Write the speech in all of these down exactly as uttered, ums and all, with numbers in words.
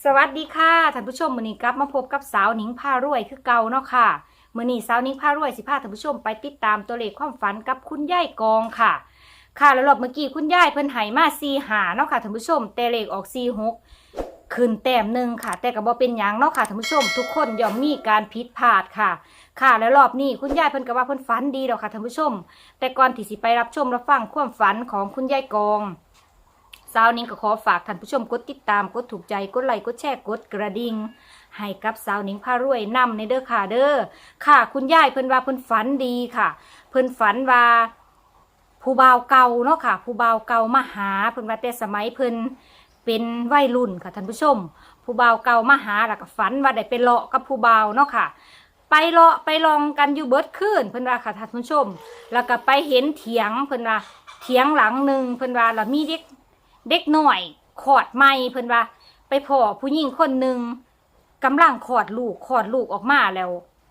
สวัสดีค่ะท่านผู้ชมมื้อนี้กลับมาพบกับสาวหนิงพารวยคือเก่าเนาะค่ะมื้อนี้สาวหนิงพารวยสิพาท่านผู้ชมไปติดตามตัวเลขความฝันกับคุณยายกองค่ะค่ะแล้วรอบเมื่อกี้คุณยายเพิ่นให้มาสี่ห้าเนาะค่ะท่านผู้ชมแต่เลขออกสี่หกขึ้นแต้มหนึ่งค่ะแต่ก็บ่เป็นหยังเนาะค่ะท่านผู้ชมทุกคนย่อมมีการผิดพลาดค่ะค่ะแล้วรอบนี้คุณยายเพิ่นก็ว่าเพิ่นฝันดีดอกค่ะท่านผู้ชมแต่ก่อนที่สิไปรับชมรับฟังความฝันของคุณยายกองสาวนิ้งก็ขอฝากท่านผู้ชมกดติดตามกดถูกใจกดไลค์กดแชร์กดกระดิ่งให้กับสาวนิ้งพารวยนำในเด้อค่ะเด้อค่ะคุณยายเพิ่นว่าเพิ่นฝันดีค่ะเพิ่นฝันว่าผู้บ่าวเก่าเนาะค่ะผู้บ่าวเก่ามาหาเพิ่นว่าแต่สมัยเพิ่นเป็นวัยรุ่นค่ะท่านผู้ชมผู้บ่าวเก่ามาหาแล้วก็ฝันว่าได้ไปเลาะกับผู้บ่าวเนาะค่ะไปเลาะไปลองกันอยู่เบิดคืนเพิ่นว่าค่ะท่านผู้ชมแล้วก็ไปเห็นเถียงเพิ่นว่าเถียงหลังหนึ่งเพิ่นว่าแล้วมีเด็กเด็กหน่อยขอดไม่เพิ่นว่าไปพ่อผู้หญิงคนหนึ่งกำลังขอดลูกขอดลูกออกมาแล้ว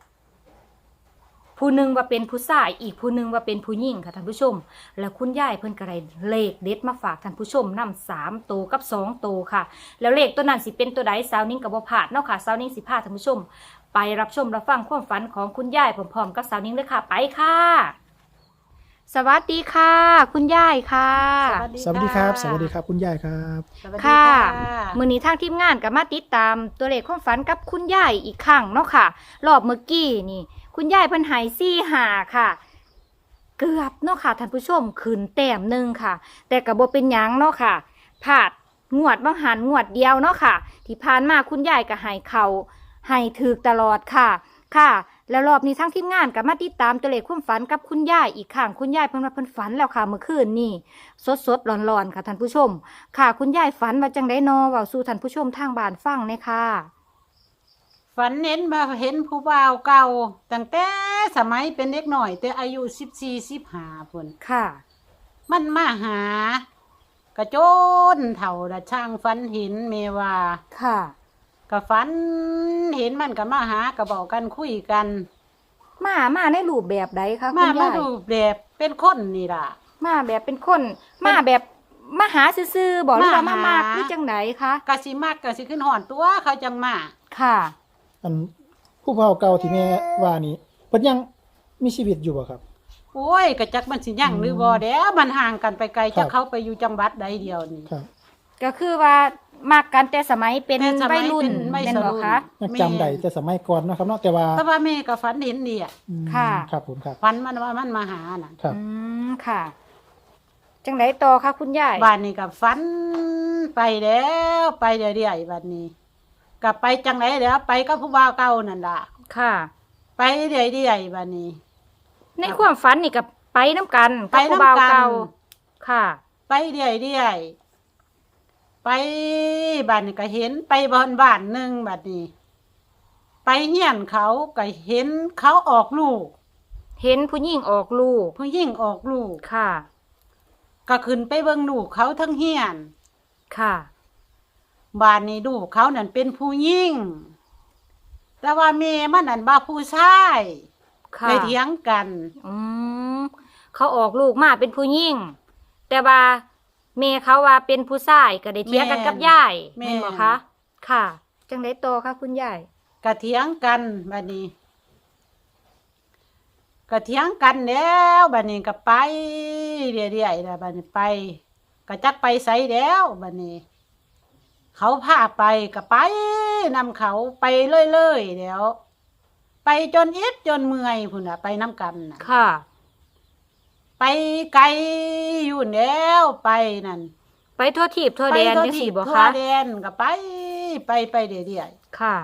ผู้หนึ่งว่าเป็นผู้ชายอีกผู้หนึ่งว่าเป็นผู้หญิงค่ะท่านผู้ชมแล้วคุณยายเพิ่นก็ได้เลขเด็ดมาฝากท่านผู้ชมนำสามตัวกับสองตัวค่ะแล้วเลขตัวนั้นสิเป็นตัวใดสาวนิ้งกับบ่พลาดเนาะค่ะสาวนิ้งสิพาท่านผู้ชมไปรับชมรับฟังความฝันของคุณยายพร้อมๆกับสาวนิ้งเลยค่ะไปค่ะสวัสดีค่ะ คุณยายค่ะสวัสดีครับ สวัสดีครับคุณยายครับค่ะมื้อนี้ทางทีมงานก็มาติดตามตัวเลขความฝันกับคุณยายอีกครั้งเนาะค่ะรอบเมื่อกี้นี่คุณยายเพิ่นให้สี่ห้าค่ะเกือบเนาะค่ะท่านผู้ชมขึ้นแต้มหนึ่งค่ะแต่ก็บ่เป็นหยังเนาะค่ะพลาดงวดบางหันงวดเดียวเนาะค่ะที่ผ่านมาคุณยายก็ให้เขาให้ถูกตลอดค่ะค่ะแล้วรอบนี้ทั้งทีมงานก็มาติดตามตัวเลขความฝันกับคุณยายอีกครั้งคุณยายเพิ่นว่าเพิ่นฝันแล้วค่ะเมื่อคืนนี่สดๆร้อนๆค่ะท่านผู้ชมค่ะคุณยายฝันว่าจังได๋นอเว้าสู่ท่านผู้ชมทางบ้านฟังแน่ค่ะฝันเห็นมาเห็นผู้บ่าวเก่าตั้งแต่สมัยเป็นเด็กหน่อยแต่อายุสิบสี่สิบห้าพุ่นค่ะมันมาหากระโจนเถ่าละช่างฝันเห็นเมว่าค่ะกะฝันเห็นมันก็มาหากะบอกกันคุยกันมามาในรูปแบบใดคะคุณมายายมาดูแบบเป็นคนนี่ล่ะมาแบบเป็นคนมาแบบมาหาซื่อๆบอกหรือว่ามามากหรือจังไดคะกะสิมากกะสิขึ้นหอนตัวเขาจังมาค่ะอันผู้เฒ่าเก่าที่แม่ว่านี่เพิ่นยังมีชีวิตอยู่บ่ครับโอ้ยกะจักมันสิยังหรือบ่เด้อมันห่างกันไปไกลจะเข้าไปอยู่จังหวัดใดเดียวนี่ครับก็คือว่ามักกันแต่สมัยเป็นวัยรุ่นแม่นบ่คะยังจำได้แต่สมัยก่อนเนาะครับเนาะแต่ว่าแต่ว่าแม่ก็ฝันเห็นดีอ่ะค่ะครับผมครับฝันมันว่ามันมาหาน่ะครับอืมค่ะจังไดต่อคะคุณยายบ้านนี้ก็ฝันไปแล้วไปเรื่อยๆบัดนี้ก็ไปจังไดแล้วไปกับผู้บ่าวเก่านั่นล่ะค่ะไปเรื่อยๆบัดนี้ในความฝันนี่ก็ไปน้ำกันกับผู้บ่าวเก่าค่ะไปเรื่อยๆไปบ้านนี้ก็เห็นไปบ้านบ้านหนึ่งบัดนี้ไปเฮียนเขาก็เห็นเขาออกลูกเห็นผู้หญิงออกลูกผู้หญิงออกลูกค่ะก็ขึ้นไปเบิ่งลูกเขาทั้งเฮียนค่ะบ้านนี้ลูกเขานั่นเป็นผู้หญิงแต่ว่าแม่มันนั่นบ่าผู้ชายค่ะเลยเถียงกันอืมเขาออกลูกมาเป็นผู้หญิงแต่ว่าแม่เขาว่าเป็นผู้ชายก็ได้เถียงกันกับยายแม่นบ่คะค่ะจังได๋ต่อคะคุณยายก็เถียงกันบัดนี้ก็เถียงกันแล้วบัดนี้ก็ไปเรื่อยๆแล้วบัดนี้ไปก็จักไปไสแล้วบัดนี้เขาพาไปก็ไปนำเขาไปเรื่อยๆแล้วไปจนอิดจนเมื่อยพุ่นน่ะไปนำกันน่ะค่ะไปไกลอยู่แล้วไปนั่นไปทั่วทิพย์ทั่วแดนจังซี่บ่คะทั่วแดนก็ไปไปไปเรื่อยๆค่ะ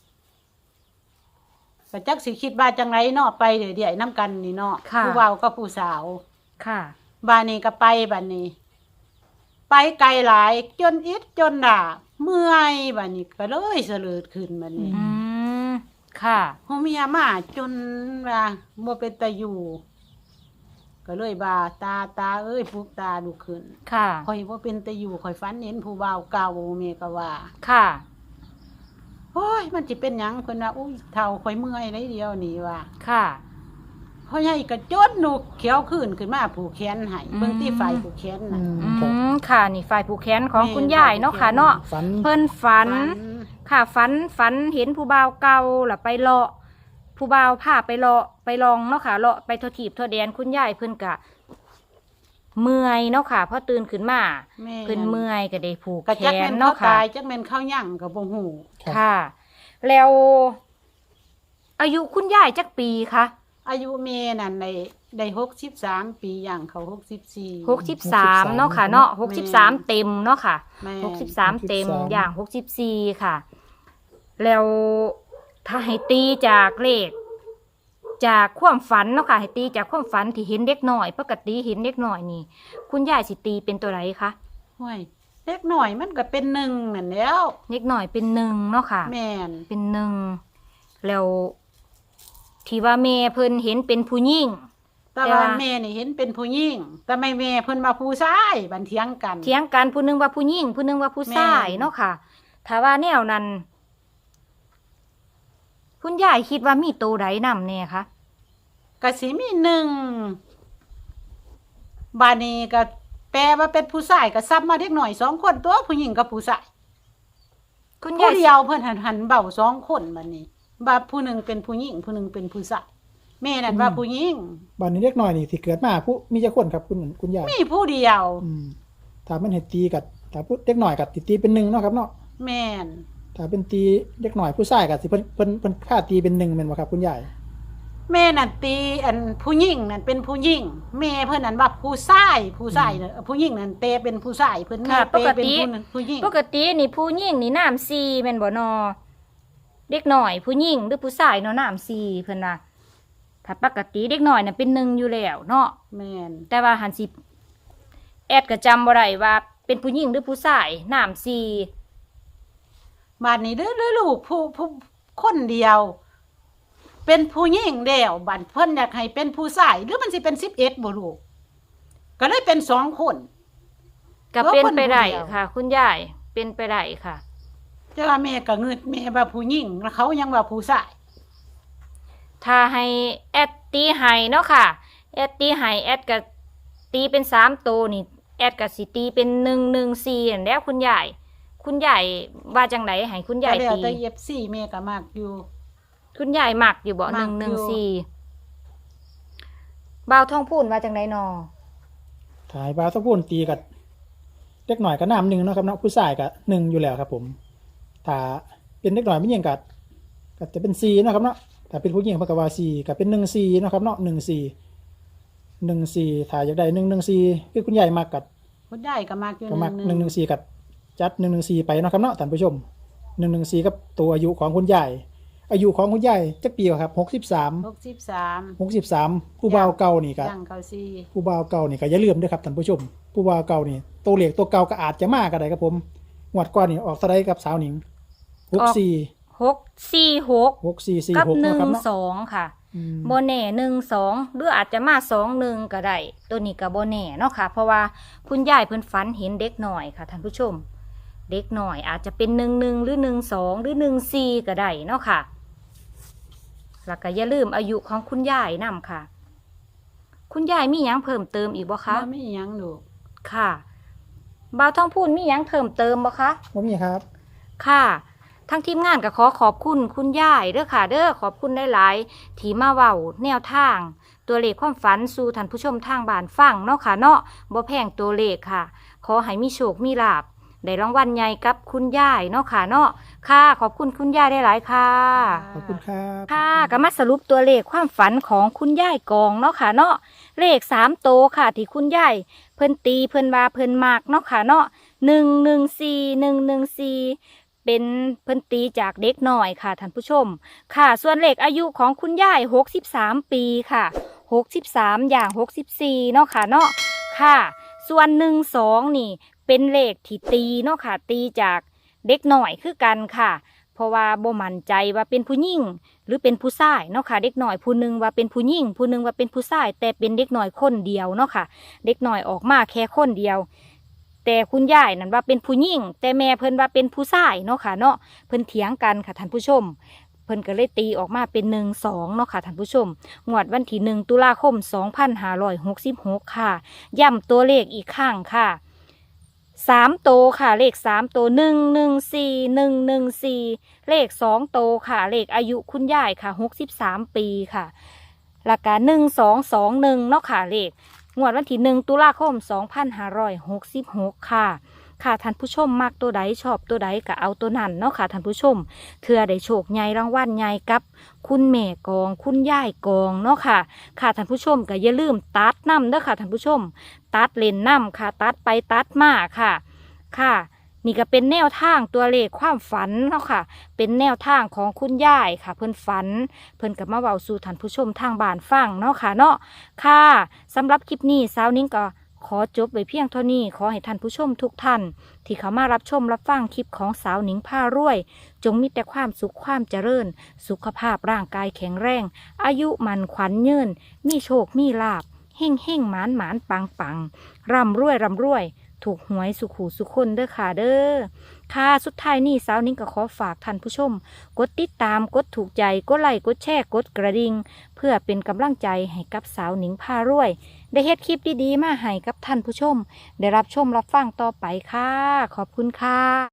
ก็จักสิคิดว่าจังไรเนาะไปเรื่อยๆนำกันนี่เนาะผู้เฒ่ากับผู้สาวค่ะบ้านนี้ก็ไปบ้านนี้ไปไกลหลายจนอิดจนด่าเมื่อยบ้านนี้ก็เลยเสลิดขึ้นบ้านนี้อืมค่ะเฮาเมียมาจนว่าบ่เป็นตาอยู่ก็เลยบาตาตาเอ้ยปลุกตาลุกขึ้นค่ะข่อยบ่เป็นตาอยู่ข่อยฝันเห็นผู้บ่าวเก่าแม่ก็ว่าค่ะโอ้ยมันสิเป็นหยังเพิ่นว่าอุ้ยเฒ่าข่อยเมื่อยเลยเดียวนี่ว่าค่ะพ่อใหญ่ก็จดหนูเขียวขึ้นขึ้นมาผูกแขนให้เบิ่งที่ฝ่ายผูกแขนน่ะอืมค่ะนี่ฝ่ายผูกแขนของคุณยายเนาะค่ะเนาะเพิ่นฝันค่ะฝันฝันเห็นผู้บ่าวเก่าล่ะไปเลาะผู้บ่าวพาไปเลาะไปลองเนาะค่ะเลาะไปทถีบทแดนคุณยายเพิ่นกะเมื่อยเนาะค่ะพอตื่นขึ้นมาแม่เพิ่นเมื่อยก็ได้ผูกก็แขจักนแม่นเขาเนาะค่ะตายจักแม่นเขายั่งก็บ่ฮู้ครับค่ะ แล้ว อายุคุณยายจักปีคะอายุแม่นั่นได้ได้หกสิบสามปีย่างเขาหกสิบสี่หกสิบสามเนาะค่ะเนาะหกสิบสามเต็มเนาะค่ะแม่หกสิบสามเต็มหกสิบสามอย่างหกสิบสี่ค่ะ แล้วถ้าให้ตีจากเลข จากความฝันเนาะค่ะให้ตีจากความฝันที่เห็นเด็กหน่อยปกติเห็นเด็กหน่อยนี่ คุณยายสิตีเป็นตัวไรคะห้วยเล็กหน่อยมันก็เป็นหนึ่งนั่นแหล้วเด็กหน่อยเป็นหนึ่งเนาะค่ะแม่นเป็นหนึ่งแล้วที่ว่าแม่เพิ่นเห็นเป็นผู้หญิงแต่แต่ว่าว่าแม่นี่เห็นเป็นผู้หญิงแต่ไม่แม่เพิ่นมาผู้ชายบันเทียงกันเถียงกันผู้หนึงว่าผู้หญิงผู้หนึงว่าผู้ชายแม่นเนาะค่ะถ้าว่าแนวนั้น คุณยายคิดว่ามีตัวใดนำแน่คะก็สิมีหนึ่งบาดนี้ก็แปลว่าเป็นผู้ชายก็ซ้ำมาเด็กหน่อยสองคนตัวผู้หญิงกับผู้ชายคุณผู้ยายเดียวเพิ่นหันหันเบาสองคนบัดนี้บาผู้หนึ่งเป็นผู้หญิงผู้หนึ่งเป็นผู้ชายแม่นั่นว่าผู้หญิงบ้านนี้เล็กน้อยนี่สิเกิดมาผู้มีจักคนครับคุณคุณยายมีผู้เดียวอืมถ้ามันเฮ็ดตีกับถ้าผู้เล็กน้อยกับตีเป็นหนึ่งเนาะครับเนาะแม่นถ้าเป็นตีเล็กน้อยผู้ชายกับสิเพิ่นเพิ่นเพิ่นค่าตีเป็นหนึ่งแม่นบ่ครับคุณยายแม่นั่นตีอันผู้หญิงนั่นเป็นผู้หญิงแม่เพิ่นนั่นว่าผู้ชายผู้ชายเนอะผู้หญิงนั่นเตเป็นผู้ชายเพิ่นแม่ค่ะเปปกเป็นติผู้นั้นผู้หญิงปกตินี่ผู้หญิงนี่น้ำซีแม่นบ่นอเด็กหน่อย ผู้หญิงหรือผู้ชายเนาะน้ำซีเพิ่นว่าถ้าปกติเด็กหน่อยน่ะเป็นหนึ่งอยู่แล้วเนาะแม่นแต่ว่าหันสิแอดก็จำบ่ได้ว่าเป็นผู้หญิงหรือผู้ชายน้ำซีบาดนี้เด้อเด้อลูกผู้ผู้คนเดียว เป็นผู้หญิงเดียวบัดเพิ่นอยากให้เป็นผู้ชายหรือมันสิเป็นสิบเอ็ดบ่ลูกก็เลยเป็นสองคนก็เป็นไปได้เพราะคนผู้เดียวค่ะ คุณยายเป็นไปได้ค่ะแต่ว่าแม่ก็งึดแม่ว่าผู้หญิงแล้วเขายังว่าผู้ชายถ้าให้แอดตีไห้เนาะค่ะแอดตีไห้แอดก็ตีเป็นสามตัวนี่แอดก็สิตีเป็นหนึ่งหนึ่งสี่นั่นแหล้วคุณยายคุณยายว่าจังไหนให้คุณยายแต่แล้วตีแต่ เอฟ ซี แม่ก็มักอยู่คุณยายมักอยู่บ่มัหนึ่กงอยู่หนึ่งสี่บ่าวท่องพูนว่าจังไหนนอถ่ายบาสะพูนตีกับเล็กน้อยก็น้ำหนึ่งเนาะครับเนาะผู้ชายก็หนึ่งอยู่แล้วครับผมถ้าเป็นเล็กน้อยไม่ยิงกับก็จะเป็นซีเนาะครับเนาะถ้าเป็นผู้หญิงเพิ่นก็ว่าซีก็เป็นหนึ่งซีเนาะครับเนาะหนึ่งซีหนึ่งซีถ้าอยากได้หนึ่งหนึ่งซีคือคุณยายมักกับคุณยายก็มักอยู่ก็มักหหนึ่นึ่งงหนึ่งสี่กับจัดหนึ่งหนึ่งสี่ไปเนาะครับเนาะท่านผู้ชมหนึ่งหนึ่งสี่กับตัวอายุของคุณยายอายุของคุณยายจักปีครับหกสิบสามหกสิบสามหกสิบสามผู้บ่าวเก่านี่ก็ย่างเขาซีผู้บ่าวเก่านี่ก็อย่าลืมด้วยครับท่านผู้ชม ผู้บ่าวเก่านี่ตัวเหล็กตัวเก่าก็อาจจะมากก็ได้ครับผมงวดก่อนนี่ออกสไลด์กับสาวหนิงหกสี่หกสี่หกหกสี่สี่กับหกหนึ่เนาะงครับเนาะสองค่ะอืมโบแน่หนึ่งสองหรืออาจจะมาสองหนึ่งก็ได้ตัวนี้กับโบแน่เนาะค่ะ เพราะว่าคุณยายเพิ่นฝันเห็นเด็กหน่อยค่ะท่านผู้ชม เด็กหน่อยอาจจะเป็นหนึ่งหนึ่งหรือหนึ่งสองหรือหนึ่งสี่ก็ได้เนาะค่ะแล้วก็อย่าลืมอายุของคุณยายนำค่ะ คุณยายมีหยังเพิ่มเติมอีกบ่คะบ่มีหยังลูกค่ะบ่าวท้องพูนมีหยังเพิ่มเติมบ่คะบ่มีครับค่ะทั้งทีมงานก็ขอขอบคุณคุณยายเด้อค่ะ เด้อขอบคุณได้หลายๆที่มาเว้าแนวทาง ตัวเลขความฝันสู่ท่านผู้ชมทางบ้านฟังเนาะค่ะเนาะบ่แพงตัวเลขค่ะ ขอให้มีโชคมีลาภได้รางวัลใหญ่กับคุณยายเนาะค่ะเนาะค่ะ ขอบคุณคุณยายได้หลายๆค่ะขอบคุณครับค่ะก็มาสรุปตัวเลขความฝันของคุณยายกองเนาะค่ะเนาะเลขสามโตวค่ะ ที่คุณยายเพิ่นตีเพิ่นว่าเพิ่นมากเนาะค่ะเนาะหนึ่งหนึ่งสี่หนึ่งหนึ่งสี่เป็นเพิ่นตีจากเด็กหน่อยค่ะท่านผู้ชม ค่ะ ส่วนเลขอายุของคุณยายหกสิบสามปีค่ะหกสิบสามอย่างหกสิบสี่เนาะค่ะเนาะค่ะ ส่วนหนึ่งสองนี่ เป็นเลขที่ตีเนาะค่ะ ตีจากเด็กหน่อยคือกันค่ะ เพราะว่าบ่มั่นใจว่าเป็นผู้หญิงหรือเป็นผู้ชายเนาะค่ะ เด็กหน่อยผู้หนึงว่าเป็นผู้หญิงผู้หนึงว่าเป็นผู้ชายแต่เป็นเด็กหน่อยคนเดียวเนาะค่ะ เด็กหน่อยออกมาแค่คนเดียว แต่คุณยายนั่นว่าเป็นผู้หญิงแต่แม่เพิ่นว่าเป็นผู้ชายเนาะค่ะเนาะเพิ่นเถียงกันค่ะท่านผู้ชม เพิ่นก็เลยตีออกมาเป็นหนึ่งสองเนาะค่ะท่านผู้ชมงวดวันที่หนึ่งตุลาคมสองพันห้าร้อยหกสิบหกค่ะย้ำตัวเลขอีกครั้งค่ะสามโตวค่ะเลขสามโตวหนึ่งหนึ่งสี่หนึ่งหนึ่งสี่เลขสองโตวค่ะเลขอายุคุณยายค่ะหกสิบสามปีค่ะราคาหนึ่งสองสองหนึ่งเนาะค่ะเลขงวดวันที่หนึ่งตุลาคมสองพันห้าร้อยหกสิบหกค่ะค่ะท่านผู้ชมมักตัวใดชอบตัวใดก็เอาตัวนั้นเนาะค่ะท่านผู้ชมเถื่อได้โชคใหญ่รางวัลใหญ่กับคุณแม่กองคุณยายกองเนาะค่ะค่ะท่านผู้ชมก็อย่าลืมตัดน้ำเด้อค่ะท่านผู้ชมตัดเลนน้ำค่ะตัดไปตัดมาค่ะค่ะนี่ก็เป็นแนวทางตัวเลขความฝันเนาะค่ะเป็นแนวทางของคุณยายค่ะเพิ่นฝันเพิ่นกับมาเว้าสู่ท่านผู้ชมทางบ้านฟังเนาะค่ะเนาะค่ะสำหรับคลิปนี้สาวนิ้งก็ขอจบไว้เพียงเท่านี้ขอให้ท่านผู้ชมทุกท่านที่เขามารับชมรับฟังคลิปของสาวนิ้งพารวยจงมีแต่ความสุขความเจริญสุขภาพร่างกายแข็งแรงอายุมันขวัญยืนมีโชคมีลาภเฮ่งเฮ่งหมานหมานปังปังร่ำรวยร่ำรวยถูกหวยสุขหูสุขคนเด้อค่ะเด้อค่ะสุดท้ายนี้สาวนิ้งก็ขอฝากท่านผู้ชมกดติดตามกดถูกใจกดไลค์กดแชร์กดกระดิ่งเพื่อเป็นกำลังใจให้กับสาวนิ้งพารวยได้เฮ็ดคลิปดีๆมาให้กับท่านผู้ชมได้รับชมรับฟังต่อไปค่ะขอบคุณค่ะ